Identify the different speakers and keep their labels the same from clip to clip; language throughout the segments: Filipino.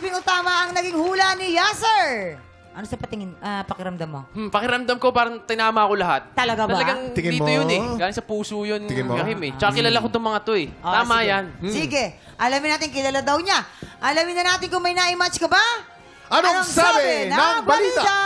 Speaker 1: taping o tama ang naging hula ni Yasser. Ano sa pakiramdam mo?
Speaker 2: Pakiramdam ko parang tinama ko lahat.
Speaker 1: Talaga ba?
Speaker 2: Talagang
Speaker 3: Tingin
Speaker 2: dito
Speaker 3: mo?
Speaker 2: yun eh. Galing sa puso yun.
Speaker 3: Tingin mo?
Speaker 2: Kahim eh. Tsaka kilala ko itong mga to eh.
Speaker 1: Oh,
Speaker 2: Tama
Speaker 1: sige.
Speaker 2: yan.
Speaker 1: Sige. Alamin natin, kilala daw niya. Alamin na natin kung may na-match ka ba?
Speaker 3: Anong sabi ng balita?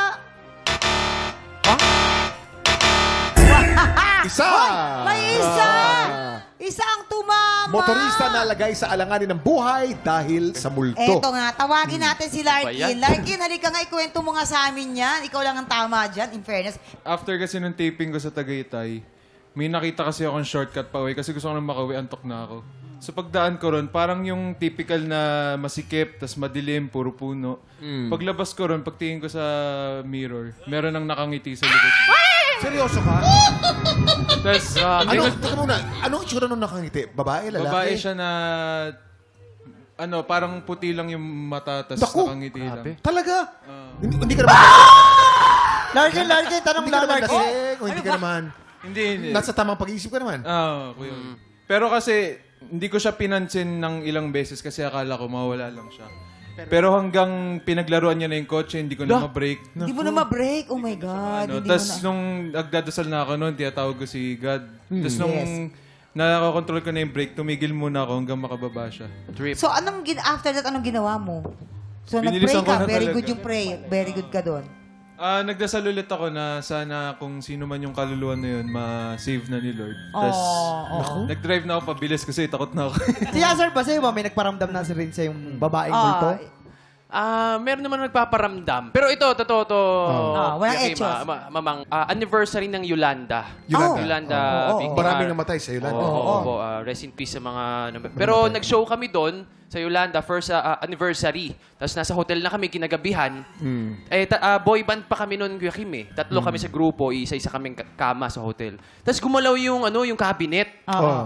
Speaker 3: Isa!
Speaker 1: May isa! Isa ang tumama!
Speaker 3: Motorista na lagay sa alanganin ng buhay dahil sa multo.
Speaker 1: Eto nga, tawagin natin si
Speaker 2: Ano ba
Speaker 1: Larkin.
Speaker 2: yan?
Speaker 1: Larkin, halika nga, ikwento mo nga sa amin yan. Ikaw lang ang tama dyan, in fairness.
Speaker 4: After kasi nung taping ko sa Tagaytay, may nakita kasi akong shortcut pa uwi kasi gusto ko nang makauwi, antok na ako. So pagdaan ko ron, parang yung typical na masikip, tas madilim, puro puno. Paglabas ko ron, pagtingin ko sa mirror, meron nang nakangiti sa likod ko.
Speaker 3: Seryoso ka?
Speaker 4: Tas,
Speaker 3: Teka muna, anong itsura nung nakangiti? Babae, lalaki?
Speaker 4: babae siya na, parang puti lang yung mata, tas
Speaker 3: Naku!
Speaker 4: nakangiti lang.
Speaker 3: Talaga? Hindi ka naman...
Speaker 5: Larkin, tanong
Speaker 3: Hindi ka
Speaker 5: lang,
Speaker 3: naman
Speaker 5: Larkin.
Speaker 3: lasing, o hindi ka naman...
Speaker 4: Hindi.
Speaker 3: Nasa tamang pag-iisip ka naman.
Speaker 4: Kuya. Pero kasi, hindi ko siya pinansin ng ilang beses kasi akala ko mawala lang siya. Pero hanggang pinaglaruan niya na yung kotse, hindi ko na ma-break.
Speaker 1: Hindi mo na ma-break. Oh my God. Hindi
Speaker 4: Tapos
Speaker 1: mo na...
Speaker 4: nung nagdadasal na ako noon, tiyatawag ko si God. Tapos nung
Speaker 1: Yes.
Speaker 4: nakakontrol ko na yung brake, tumigil muna ako hanggang makababa siya.
Speaker 2: Trip.
Speaker 1: So, after that, anong ginawa mo? So, nag-pray
Speaker 4: Binilisan ko
Speaker 1: ka.
Speaker 4: na
Speaker 1: Very
Speaker 4: talaga.
Speaker 1: good yung pray. Very good ka doon.
Speaker 4: Nagdasal ulit ako na sana kung sino man yung kaluluwa na yun, ma-save na ni Lord. Tapos nag-drive na ako pabilis kasi takot na ako.
Speaker 5: Si Yasser ba sa'yo ba? May nagparamdam na rin sa yung babaeng multo?
Speaker 2: Meron naman nagpaparamdam. Pero ito, totoo to.
Speaker 1: Walang
Speaker 2: Yaki,
Speaker 1: etchos.
Speaker 2: mamang, anniversary ng Yolanda.
Speaker 3: Yolanda.
Speaker 2: Yolanda. Big
Speaker 3: Maraming
Speaker 2: Bar.
Speaker 3: namatay sa Yolanda.
Speaker 2: Oo. Rest in peace sa mga... Pero nag-show kami doon sa Yolanda, first anniversary. Tapos nasa hotel na kami kinagabihan. Boy band pa kami noon, Kuya Kim eh. Tatlo kami sa grupo, isa-isa kaming kama sa hotel. Tapos gumalaw yung cabinet.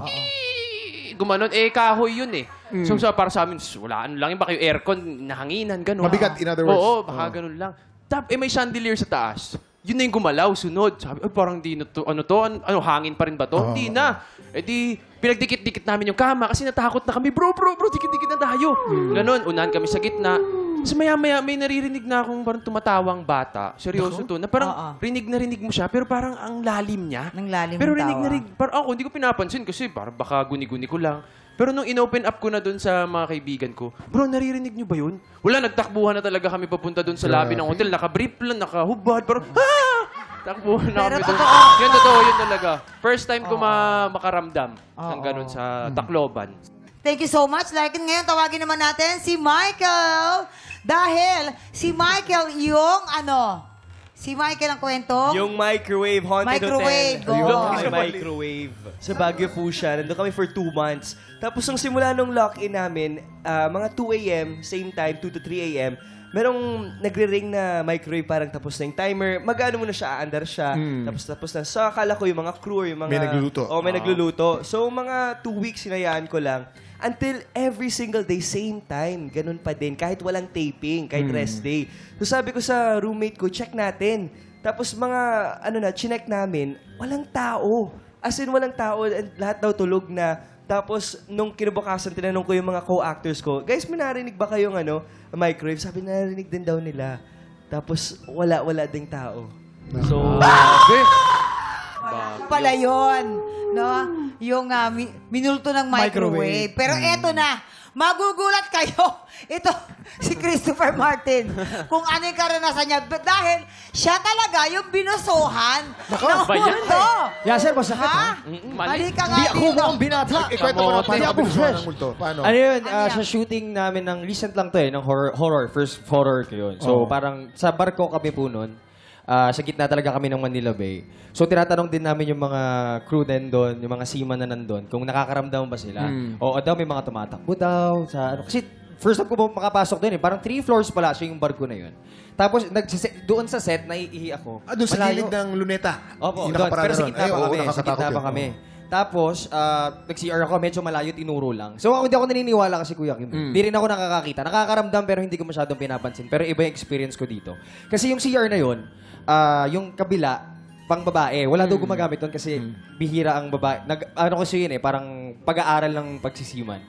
Speaker 2: Gumanon, kahoy yun eh. So para sa amin, wala ano lang yun, baka yung aircon, nahanginan, gano'n.
Speaker 3: Mabigat, in other words.
Speaker 2: Oo, baka ganun lang. May chandelier sa taas. Yun na yung gumalaw, sunod. Sabi, parang di na to, hangin pa rin ba to? Hindi na. Di, pinagdikit-dikit namin yung kama kasi natakot na kami, bro, dikit-dikit na tayo. Ganon, unahan kami sa gitna. Tapos maya-maya, may naririnig na akong parang tumatawang bata. Seryoso to. Na parang rinig na rinig mo siya, pero parang ang lalim niya.
Speaker 1: Nang lalim
Speaker 2: Pero
Speaker 1: ng
Speaker 2: rinig
Speaker 1: tawa.
Speaker 2: na rinig. Parang ako, hindi ko pinapansin kasi parang baka guni-guni ko lang. Pero nung in-open up ko na doon sa mga kaibigan ko, bro, naririnig niyo ba yun? Wala, nagtakbuhan na talaga kami papunta doon sa lobby ng hotel. Naka-brief lang, naka-hubad. Parang, takbuhan na
Speaker 1: Pero
Speaker 2: kami doon.
Speaker 1: totoo.
Speaker 2: Yun, totoo, yun talaga. First time ko makaramdam ng ganun sa Tacloban.
Speaker 1: Thank you so much, Larkin. Ngayon, tawagin naman natin si Michael. Dahil si Michael si Michael ang kwento.
Speaker 6: Yung microwave haunted
Speaker 1: Microwave,
Speaker 6: hotel.
Speaker 1: go.
Speaker 6: May microwave. Sa Baguio po siya. Nandun kami for 2 months. Tapos nung simula nung lock-in namin, mga 2 a.m., same time, 2 to 3 a.m., merong nagre-ring na microwave, parang tapos na yung timer. Mag-ano muna siya, aandar siya. Tapos na. So, akala ko yung mga crew, yung mga...
Speaker 3: May nagluluto.
Speaker 6: Oo, may nagluluto. So, mga 2 weeks hinayaan ko lang. Until every single day, same time. Ganun pa din. Kahit walang taping, kahit rest day. So sabi ko sa roommate ko, check natin. Tapos chinek namin, walang tao. As in, walang tao. And lahat daw tulog na. Tapos, nung kinabukasan, tinanong ko yung mga co-actors ko, guys, may narinig ba kayong microwave? Sabi, narinig din daw nila. Tapos, wala ding tao. So,
Speaker 1: Pala yun, no? Yung minulto ng microwave. Pero eto na, magugulat kayo. Ito, si Christopher Martin. Kung ano yung karanasan niya. Dahil siya talaga yung binusuhan ng
Speaker 2: ba yan?
Speaker 1: multo.
Speaker 5: Yasser, masakit ha?
Speaker 1: Halika nga
Speaker 5: Hindi ako
Speaker 1: dito.
Speaker 5: mukhang binata.
Speaker 3: Ikwento mo na paano
Speaker 5: Hindi
Speaker 3: ka
Speaker 5: ako
Speaker 3: binusuhan
Speaker 5: fresh.
Speaker 3: ng multo. Paano?
Speaker 7: Ano yun,
Speaker 1: Ano yan?
Speaker 7: sa shooting namin ng recent lang to ng horror, first horror ko yun. So parang sa barko kami po nun, sa gitna talaga kami ng Manila Bay. So tinatanong din namin yung mga crew din doon, yung mga seaman na nandun, kung nakakaramdam ba sila. O daw may mga tumatakbo daw. Kasi first time ko po makapasok doon parang 3 floors pala siya yung barko na yun. Tapos doon sa set, naiihi ako.
Speaker 3: Doon sa
Speaker 7: Malayo.
Speaker 3: gilid ng luneta.
Speaker 7: Opo,
Speaker 3: Yung
Speaker 7: doon.
Speaker 3: nakaparada
Speaker 7: Pero sa
Speaker 3: ron.
Speaker 7: gitna
Speaker 3: Ay,
Speaker 7: pa
Speaker 3: oo,
Speaker 7: kami. Sa
Speaker 3: nakakatakot
Speaker 7: gitna pa
Speaker 3: yun.
Speaker 7: kami. Tapos, nag-CR ako, medyo malayo, tinuro lang. So, hindi ako naniniwala kasi Kuya Kim. Hindi rin ako nakakakita. Nakakaramdam pero hindi ko masyadong pinapansin. Pero iba yung experience ko dito. Kasi yung CR na yun, yung kabila, pang babae. Wala daw gumagamit doon kasi bihira ang babae. Ano kasi yun parang pag-aaral ng pagsisiman.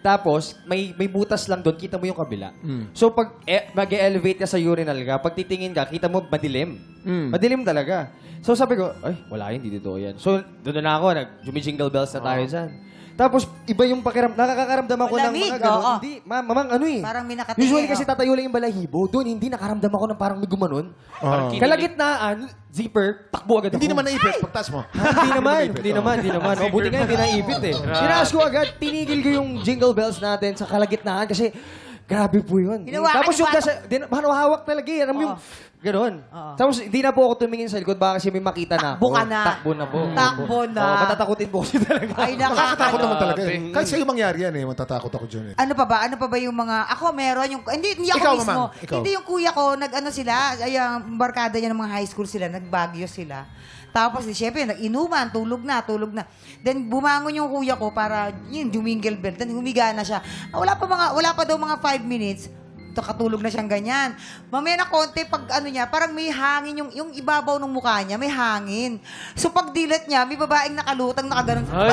Speaker 7: Tapos, may butas lang doon, kita mo yung kabila. So, pag mag-elevate ka sa urinal ka, pag titingin ka, kita mo madilim. Madilim talaga. So, sabi ko, ay, wala yun, hindi totoo yan. So, doon na ako, nag-jingle bells na tayo dyan. Tapos, iba yung nakakakaramdam ako ng
Speaker 1: Malamig,
Speaker 7: mga gano'n.
Speaker 1: oo.
Speaker 7: Hindi, mamang ano eh.
Speaker 1: Parang may nakatingin,
Speaker 7: Usually kasi
Speaker 1: oh.
Speaker 7: tatayo lang yung balahibo. Doon, hindi nakaramdam ako ng parang may gumanon.
Speaker 2: Parang kinilig.
Speaker 7: Kalagitnaan, zipper, takbo agad ako.
Speaker 3: Hindi naman naipit. Pagtas mo.
Speaker 7: Hindi naman. O, buti nga hindi naipit eh. Tinaas ko agad, tinigil ko yung jingle bells natin sa kalagitnaan kasi grabe po yun.
Speaker 1: Hinawakan
Speaker 7: Tapos yung
Speaker 1: yung
Speaker 7: hawak talaga eh. Alam mo yung gano'n. Tapos hindi na po ako tumingin sa likod baka kasi may makita na
Speaker 1: Takbo
Speaker 7: ako.
Speaker 1: ka na.
Speaker 7: Takbo na po.
Speaker 1: Takbo na.
Speaker 7: Oo, matatakutin po kasi talaga.
Speaker 1: Ay,
Speaker 3: Nakakatakot naman talaga.
Speaker 2: Grabe.
Speaker 3: Eh. Kahit sa'yo mangyari yan eh. Matatakot ako dyan eh.
Speaker 1: Ano pa ba? Ano pa ba yung mga... Ako meron yung... Hindi ako
Speaker 3: Ikaw,
Speaker 1: mismo.
Speaker 3: Mamang. Ikaw.
Speaker 1: Hindi yung kuya ko. Nag-ano sila. Ay, ang barkada niya ng mga high school sila. Nag-Baguio sila. Tapos, siyempre, nag-inuman. Tulog na. Then, bumangon yung kuya ko para, yun, jumingle bell. Then, humiga na siya. Wala pa daw mga 5 minutes. Katulog na siyang ganyan. Mamaya na konti, pag ano niya, parang may hangin yung ibabaw ng mukha niya, may hangin. So, pag dilat niya, may babaeng nakalutang, nakaganon.
Speaker 2: Ay!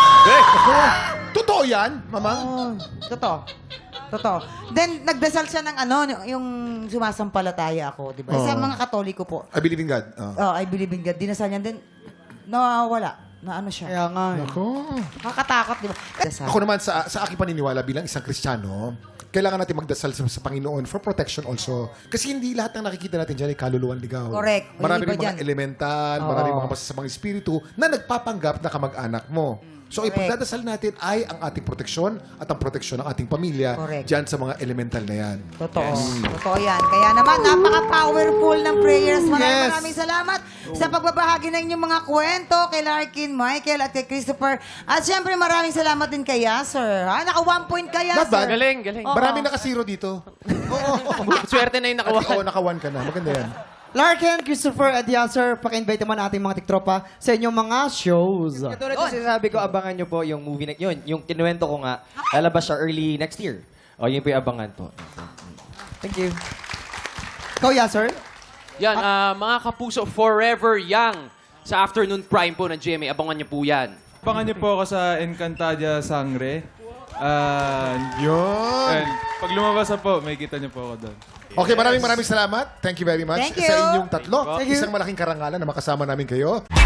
Speaker 3: Totoo yan, Mamang?
Speaker 1: Oh, totoo. Then, nagdasal siya ng yung sumasampalataya ako, di ba? Sa mga Katoliko po.
Speaker 3: I believe in God.
Speaker 1: Oh, I believe in God. Dinasal niya. Then, nawawala. Na ano siya.
Speaker 5: Kaya nga.
Speaker 3: Ako.
Speaker 1: Nakakatakot, di ba? Dasal.
Speaker 3: Ako naman, sa aking paniniwala bilang isang Kristiyano, kailangan natin magdasal sa Panginoon for protection also. Kasi hindi lahat ng nakikita natin dyan ay kaluluwan ligaw.
Speaker 1: Correct.
Speaker 3: Marami
Speaker 1: May
Speaker 3: rin
Speaker 1: iba
Speaker 3: mga
Speaker 1: dyan.
Speaker 3: elemental, marami mga masasamang espiritu na nagpapanggap na kamag-anak mo. So,
Speaker 1: Correct.
Speaker 3: ipagdadasal natin ay ang ating proteksyon at ang proteksyon ng ating pamilya
Speaker 1: Correct.
Speaker 3: dyan sa mga elemental na yan.
Speaker 1: Totoo. Totoo yan. Kaya naman, napaka-powerful ng prayers. Maraming salamat sa pagbabahagi ng inyong mga kwento kay Larkin, Michael, at kay Christopher. At syempre, maraming salamat din kay Yasser. Ha? Naka 1 point ka,
Speaker 3: Not
Speaker 1: Yasser.
Speaker 3: bad.
Speaker 2: Galing.
Speaker 3: Maraming nakasiro dito.
Speaker 2: Swerte na yung
Speaker 3: Oo,
Speaker 2: nakawa.
Speaker 3: naka-1 ka na. Maganda yan.
Speaker 5: Larkin, Christopher, at Yasser, paki-invite naman ating mga tiktropa sa inyong mga shows.
Speaker 7: Katulad ng sinasabi ko, abangan nyo po yung movie na yun. Yung kinuwento ko nga, lalabas siya early next year. O, yun po yung abangan po.
Speaker 5: Thank you. Ikaw, Yasser?
Speaker 2: Yan, mga kapuso, Forever Young. Sa afternoon prime po ng GMA. Abangan niyo po yan.
Speaker 4: Abangan niyo po ako sa Encantadia Sangre.
Speaker 3: Yun.
Speaker 4: And pag lumabas na po, may kita niyo po ako doon.
Speaker 3: Okay, maraming salamat. Thank you very much
Speaker 1: Thank you.
Speaker 3: sa inyong tatlo.
Speaker 5: Thank you.
Speaker 3: Isang malaking karangalan na makasama namin kayo.